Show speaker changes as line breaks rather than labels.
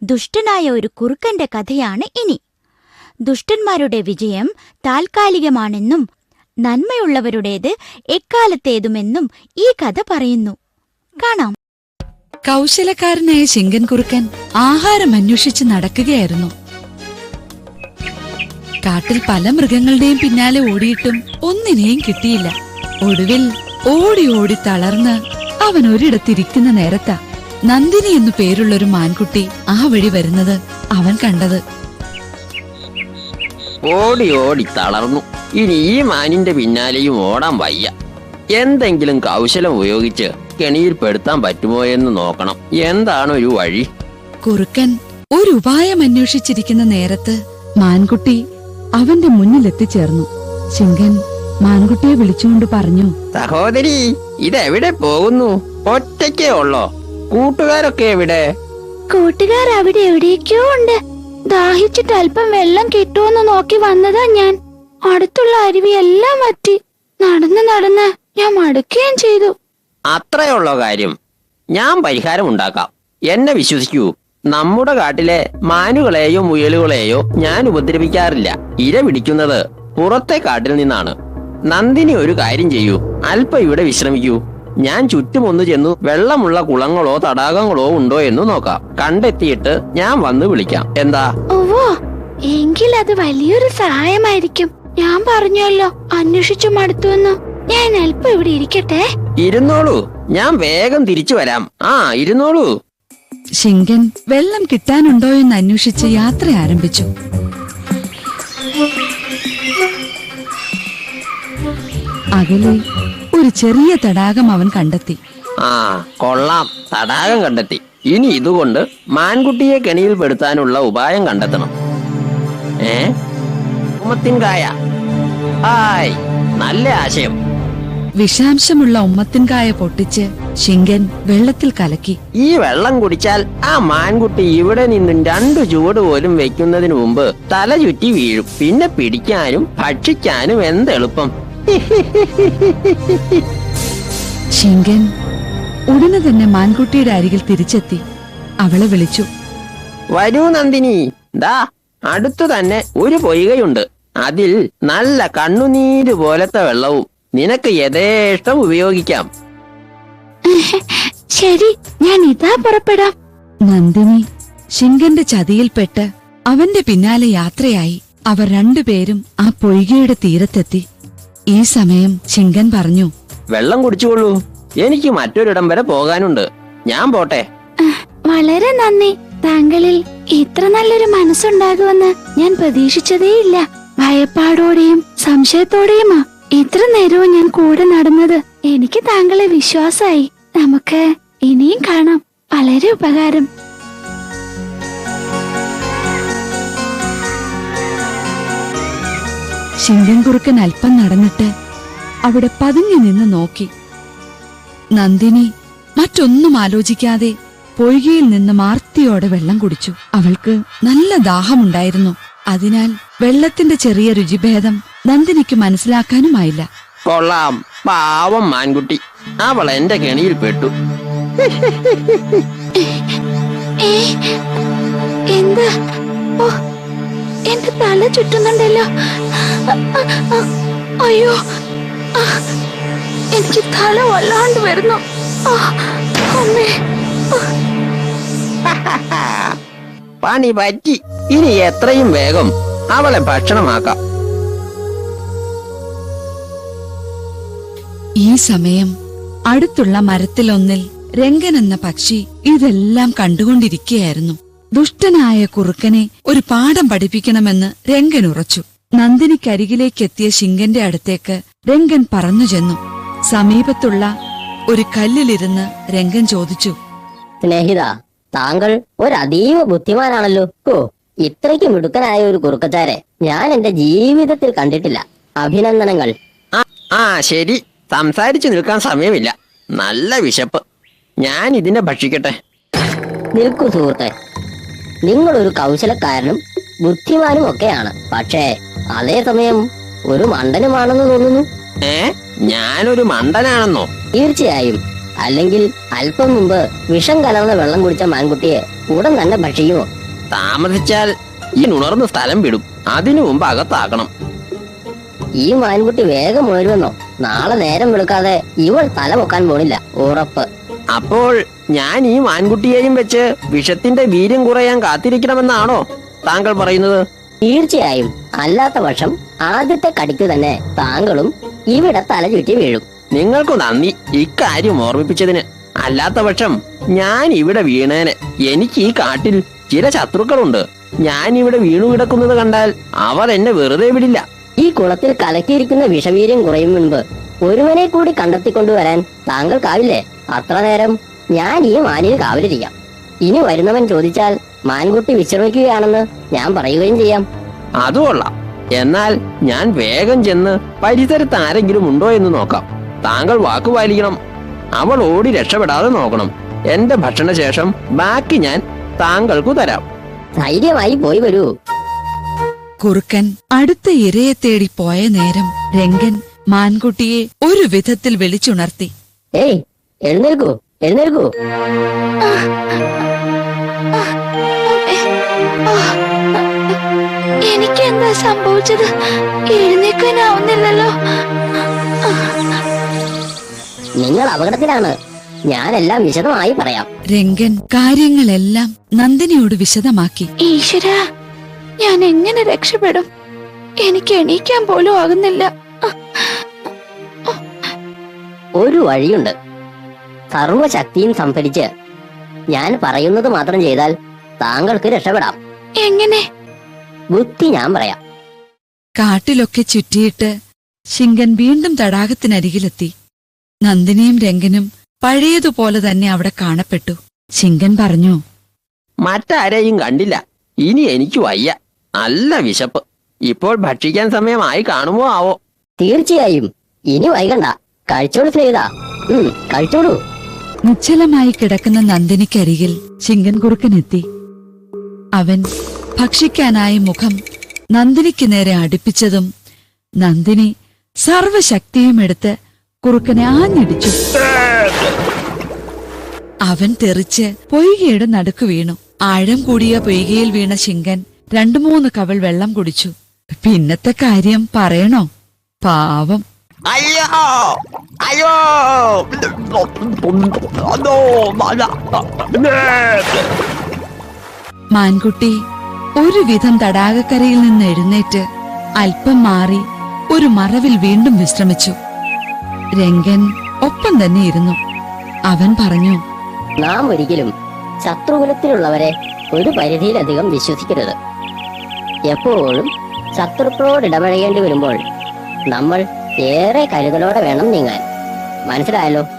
ദുഷ്ടനായ ഒരു കുറുക്കന്റെ കഥയാണ് ഇനി. ദുഷ്ടന്മാരുടെ വിജയം താൽക്കാലികമാണെന്നും നന്മയുള്ളവരുടേത് എക്കാലത്തേതുമെന്നും ഈ കഥ പറയുന്നു. കാണാം.
കൗശലക്കാരനായ ശിങ്കൻ കുറുക്കൻ ആഹാരം അന്വേഷിച്ച് നടക്കുകയായിരുന്നു. കാട്ടിൽ പല മൃഗങ്ങളുടെയും പിന്നാലെ ഓടിയിട്ടും ഒന്നിനെയും കിട്ടിയില്ല. ഒടുവിൽ ഓടി ഓടി തളർന്ന് അവൻ ഒരിടത്തിരിക്കുന്ന നേരത്താ നന്ദിനി എന്നു പേരുള്ളൊരു മാൻകുട്ടി ആ വഴി വരുന്നത് അവൻ കണ്ടത്.
ഓടി ഓടി തളർന്നു. ഇനി ഈ മാനിന്റെ പിന്നാലെയും ഓടാൻ വയ്യ. എന്തെങ്കിലും കൗശലം ഉപയോഗിച്ച് കെണിയിൽ പെടുത്താൻ പറ്റുമോ എന്ന് നോക്കണം. എന്താണ് ഒരു വഴി?
കുറുക്കൻ ഒരു ഉപായം അന്വേഷിച്ചിരിക്കുന്ന നേരത്ത് മാൻകുട്ടി അവന്റെ മുന്നിലെത്തിച്ചേർന്നു. ശിങ്കൻ മാൻകുട്ടിയെ വിളിച്ചുകൊണ്ട് പറഞ്ഞു,
സഹോദരി, ഇതെവിടെ പോകുന്നു? ഒറ്റയ്ക്കേ ഉള്ളോ? കൂട്ടുകാരൊക്കെ എവിടെ?
കൂട്ടുകാർ അവിടെ എവിടേക്കോ ഉണ്ട്. ദാഹിച്ചിട്ട് അല്പം വെള്ളം കിട്ടുമെന്ന് നോക്കി വന്നതാ ഞാൻ. അടുത്തുള്ള അരുവിയെല്ലാം വറ്റി. നടന്ന് നടന്ന് ഞാൻ മടുക്കുകയും ചെയ്തു.
അത്രയുള്ള കാര്യം. ഞാൻ പരിഹാരം ഉണ്ടാക്കാം. എന്നെ വിശ്വസിക്കൂ. നമ്മുടെ കാട്ടിലെ മാനുകളെയോ മുയലുകളെയോ ഞാൻ ഉപദ്രവിക്കാറില്ല. ഇര പിടിക്കുന്നത് പുറത്തെ കാട്ടിൽ നിന്നാണ്. നന്ദിനി ഒരു കാര്യം ചെയ്യൂ. അല്പം ഇവിടെ വിശ്രമിക്കൂ. ഞാൻ ചുറ്റുമൊന്നു ചെന്നു വെള്ളമുള്ള കുളങ്ങളോ തടാകങ്ങളോ ഉണ്ടോ എന്ന് നോക്കാം. കണ്ടെത്തിയിട്ട് ഞാൻ വന്ന് വിളിക്കാം. എന്താ?
ഓവോ, എങ്കിൽ അത് വലിയൊരു സഹായമായിരിക്കും. ഞാൻ പറഞ്ഞല്ലോ, അന്വേഷിച്ചു മടുത്തുവെന്നു. ഞാൻ അല്പം ഇവിടെ ഇരിക്കട്ടെ.
ഇരുന്നോളൂ, ഞാൻ വേഗം തിരിച്ചു വരാം. ഇരുന്നോളൂ.
ശിങ്കൻ വെള്ളം കിട്ടാനുണ്ടോ എന്ന് അന്വേഷിച്ച് യാത്ര ആരംഭിച്ചു. അകലെ ഒരു ചെറിയ തടാകം അവൻ കണ്ടെത്തി.
കൊള്ളാം, തടാകം കണ്ടെത്തി. ഇനി ഇതുകൊണ്ട് മാൻകുട്ടിയെ കെണിയിൽ പെടുത്താനുള്ള ഉപായം കണ്ടെത്തണം. ഉമ്മത്തിൻകായ. നല്ല ആശയം.
വിഷാംശമുള്ള ഉമ്മത്തിൻകായ പൊട്ടിച്ച് ശിങ്കൻ വെള്ളത്തിൽ കലക്കി.
ഈ വെള്ളം കുടിച്ചാൽ ആ മാൻകുട്ടി ഇവിടെ നിന്നും 2 ചുവട് പോലും വെക്കുന്നതിന് മുമ്പ് തല ചുറ്റി വീഴും. പിന്നെ പിടിക്കാനും ഭക്ഷിക്കാനും എന്തെളുപ്പം.
ശിങ്കൻ ഉടനെ തന്നെ മാൻകുട്ടിയുടെ അരികിൽ തിരിച്ചെത്തി അവളെ വിളിച്ചു.
വരൂ നന്ദിനി, ദാ അടുത്തു തന്നെ ഒരു പൊയ്കയുണ്ട്. അതിൽ നല്ല കണ്ണുനീര് പോലത്തെ വെള്ളവും. നിനക്ക് യഥേഷ്ടം ഉപയോഗിക്കാം.
ശരി, ഞാൻ ഇതാ പുറപ്പെടാം.
നന്ദിനി ശിങ്കന്റെ ചതിയിൽപ്പെട്ട് അവന്റെ പിന്നാലെ യാത്രയായി. അവർ രണ്ടുപേരും ആ പൊയ്കയുടെ തീരത്തെത്തി. ഈ സമയം ശിങ്കൻ പറഞ്ഞു,
വെള്ളം കുടിച്ചുകൊള്ളൂ. എനിക്ക് മറ്റൊരിടം വരെ പോകാനുണ്ട്. ഞാൻ പോട്ടെ.
വളരെ നന്ദി. താങ്കളിൽ ഇത്ര നല്ലൊരു മനസ്സുണ്ടാകുമെന്ന് ഞാൻ പ്രതീക്ഷിച്ചതേയില്ല. ഭയപ്പാടോടെയും സംശയത്തോടെയുമാ ഇത്ര നേരവും ഞാൻ കൂടെ നടന്നത്. എനിക്ക് താങ്കളെ വിശ്വാസായി. നമുക്ക് ഇനിയും കാണാം. വളരെ ഉപകാരം.
ശിങ്കൻ കുറുക്കൻ അല്പം നടന്നിട്ട് അവിടെ പതുങ്ങി നിന്ന് നോക്കി. നന്ദിനി മറ്റൊന്നും ആലോചിക്കാതെ പൊയ്കയിൽ നിന്ന് മാർത്തിയോടെ വെള്ളം കുടിച്ചു. അവൾക്ക് നല്ല ദാഹമുണ്ടായിരുന്നു. അതിനാൽ വെള്ളത്തിന്റെ ചെറിയ രുചിഭേദം നന്ദിനിക്ക് മനസ്സിലാക്കാനുമായില്ല.
കൊള്ളാം, പാവം മാൻകുട്ടി. അവൾ എന്റെ കെണിയിൽ പെട്ടു.
എന്താ? എന്റെ തല ചുറ്റുന്നുണ്ടല്ലോ. അയ്യോ, എനിക്ക് തല വല്ലാണ്ട് വരുന്നു. അമ്മേ,
പണി പറ്റി. ഇനി എത്രയും വേഗം അവളെ ഭക്ഷണമാക്കാം.
ഈ സമയം അടുത്തുള്ള മരത്തിലൊന്നിൽ രംഗൻ എന്ന പക്ഷി ഇതെല്ലാം കണ്ടുകൊണ്ടിരിക്കുകയായിരുന്നു. ദുഷ്ടനായ കുറുക്കനെ ഒരു പാഠം പഠിപ്പിക്കണമെന്ന് രംഗൻ ഉറച്ചു. നന്ദിനിക്കരികിലേക്കെത്തിയ ശിങ്കന്റെ അടുത്തേക്ക് രംഗൻ പറന്നു ചെന്നു. സമീപത്തുള്ള ഒരു കല്ലിലിരുന്ന് രംഗൻ ചോദിച്ചു,
സ്നേഹിത, താങ്കൾ ഒരു അതീവ ബുദ്ധിമാനാണല്ലോ. ഇത്രയ്ക്ക് മിടുക്കനായ ഒരു കുറുക്കച്ചാരെ ഞാൻ എന്റെ ജീവിതത്തിൽ കണ്ടിട്ടില്ല. അഭിനന്ദനങ്ങൾ.
ശരി, സംസാരിച്ചു നിൽക്കാൻ സമയമില്ല. നല്ല വിശപ്പ്. ഞാൻ ഇതിനെ ഭക്ഷിക്കട്ടെ.
നിൽക്കൂ സുഹൃത്തെ, നിങ്ങളൊരു കൗശലക്കാരനും ബുദ്ധിമാനും ഒക്കെയാണ്. പക്ഷേ അതേസമയം ഒരു മണ്ടനുമാണെന്ന് തോന്നുന്നു.
ഞാനൊരു മണ്ടനാണെന്നോ?
തീർച്ചയായും. അല്ലെങ്കിൽ അല്പം മുമ്പ് വിഷം കലർന്ന വെള്ളം കുടിച്ച മാൻകുട്ടിയെ ഉടൻ തന്നെ ഭക്ഷിക്കുമോ?
താമസിച്ചാൽ ഈ ഉണർന്ന സ്ഥലം വിടും. അതിനു മുമ്പ് അകത്താക്കണം.
ഈ മാൻകുട്ടി വേഗം ഉണരുമെന്നോ? നാളെ നേരം വെളുക്കാതെ ഇവൾ തല പൊക്കാൻ പോണില്ല, ഉറപ്പ്.
അപ്പോൾ ഞാൻ ഈ മാൻകുട്ടിയെയും വെച്ച് വിഷത്തിന്റെ വീര്യം കുറയാൻ കാത്തിരിക്കണമെന്നാണോ താങ്കൾ പറയുന്നത്?
തീർച്ചയായും. അല്ലാത്ത പക്ഷം ആദ്യത്തെ കടിക്കു തന്നെ താങ്കളും ഇവിടെ തല ചുറ്റി വീഴും.
നിങ്ങൾക്കു നന്ദി ഇക്കാര്യം ഓർമ്മിപ്പിച്ചതിന്. അല്ലാത്ത പക്ഷം ഞാൻ ഇവിടെ വീണേനെ. എനിക്ക് ഈ കാട്ടിൽ ചില ശത്രുക്കളുണ്ട്. ഞാൻ ഇവിടെ വീണു കിടക്കുന്നത് കണ്ടാൽ അവർ എന്നെ വെറുതെ വിടില്ല.
ഈ കുളത്തിൽ കലക്കിയിരിക്കുന്ന വിഷവീര്യം കുറയും മുൻപ് ഒരുവനെ കൂടി കണ്ടെത്തിക്കൊണ്ടുവരാൻ താങ്കൾക്കാവില്ലേ? അത്ര നേരം ഞാൻ ഈ മാനിന് കാവലിരിക്കാം. ഇനി വരുന്നവൻ ചോദിച്ചാൽ മാൻകുട്ടി വിശ്രമിക്കുകയാണെന്ന് ഞാൻ പറയുകയും ചെയ്യാം.
അത് കൊള്ളാം. എന്നാൽ ഞാൻ വേഗം ചെന്ന് പരിസരത്ത് ആരെങ്കിലും ഉണ്ടോ എന്ന് നോക്കാം. താങ്കൾ വാക്കു പാലിക്കണം. അവൾ ഓടി രക്ഷപ്പെടാതെ നോക്കണം. എന്റെ ഭക്ഷണശേഷം ബാക്കി ഞാൻ താങ്കൾക്കു തരാം.
ധൈര്യമായി പോയി വരൂ.
കുറുക്കൻ അടുത്ത ഇരയെ തേടി പോയ നേരം രംഗൻ മാൻകുട്ടിയെ ഒരു വിധത്തിൽ വിളിച്ചുണർത്തി.
ഏയ്, എഴുന്നേൽക്കൂ, എഴുന്നേൽക്കൂ.
എനിക്ക് എന്താ സംഭവിച്ചത്? എഴുന്നേക്കാനാവുന്നില്ലല്ലോ.
നിങ്ങൾ അപകടത്തിലാണ്. ഞാനെല്ലാം വിശദമായി പറയാം.
രംഗൻ കാര്യങ്ങളെല്ലാം നന്ദിനിയോട് വിശദമാക്കി.
ഈശ്വര, ഞാൻ എങ്ങനെ രക്ഷപ്പെടും? എനിക്ക് എണീക്കാൻ പോലും ആകുന്നില്ല.
ഒരു വഴിയുണ്ട്. സർവശക്തിയും സംഭരിച്ച് ഞാൻ പറയുന്നത് മാത്രം ചെയ്താൽ താങ്കൾക്ക് രക്ഷപ്പെടാം.
എങ്ങനെ?
ബുദ്ധി ഞാൻ പറയാം.
കാട്ടിലൊക്കെ ചുറ്റിയിട്ട് ശിങ്കൻ വീണ്ടും തടാകത്തിനരികിലെത്തി. നന്ദിനിയും രംഗനും പഴയതുപോലെ തന്നെ അവിടെ കാണപ്പെട്ടു. ശിങ്കൻ പറഞ്ഞു,
മറ്റാരെയും കണ്ടില്ല. ഇനി എനിക്ക് വയ്യ. നല്ല വിശപ്പ്. ഇപ്പോൾ ഭക്ഷിക്കാൻ സമയമായി കാണുമോ ആവോ?
തീർച്ചയായും. ഇനി വൈകണ്ട. കഴിച്ചോളൂ സ്നേഹിത. കഴിച്ചോളൂ.
നിശ്ചലമായി കിടക്കുന്ന നന്ദിനിക്കരികിൽ ശിങ്കൻ കുറുക്കനെത്തി. അവൻ ഭക്ഷിക്കാനായി മുഖം നന്ദിനിക്ക് നേരെ അടുപ്പിച്ചതും നന്ദിനി സർവശക്തിയും എടുത്ത് കുറുക്കനെ ആഞ്ഞിടിച്ചു. അവൻ തെറിച്ച് പൊയ്കയുടെ നടുക്ക് വീണു. ആഴം കൂടിയ പൊയ്കയിൽ വീണ ശിങ്കൻ 2-3 കവൾ വെള്ളം കുടിച്ചു. പിന്നത്തെ കാര്യം പറയണോ? പാവം.
അയ്യോ അയ്യോ!
മാൻകുട്ടി ഒരുവിധം തടാകക്കരയിൽ നിന്ന് എഴുന്നേറ്റ് അല്പം മാറി ഒരു മറവിൽ വീണ്ടും വിശ്രമിച്ചു. രംഗൻ ഒപ്പം തന്നെ ഇരുന്നു. അവൻ പറഞ്ഞു,
നാം ഒരിക്കലും ശത്രുകുലത്തിലുള്ളവരെ ഒരു പരിധിയിലധികം വിശ്വസിക്കരുത്. എപ്പോഴും ശത്രുക്കളോട് ഇടപഴകേണ്ടി വരുമ്പോൾ നമ്മൾ ഏറെ കരുതലോടെ വേണം നീങ്ങാൻ. മനസ്സിലായല്ലോ?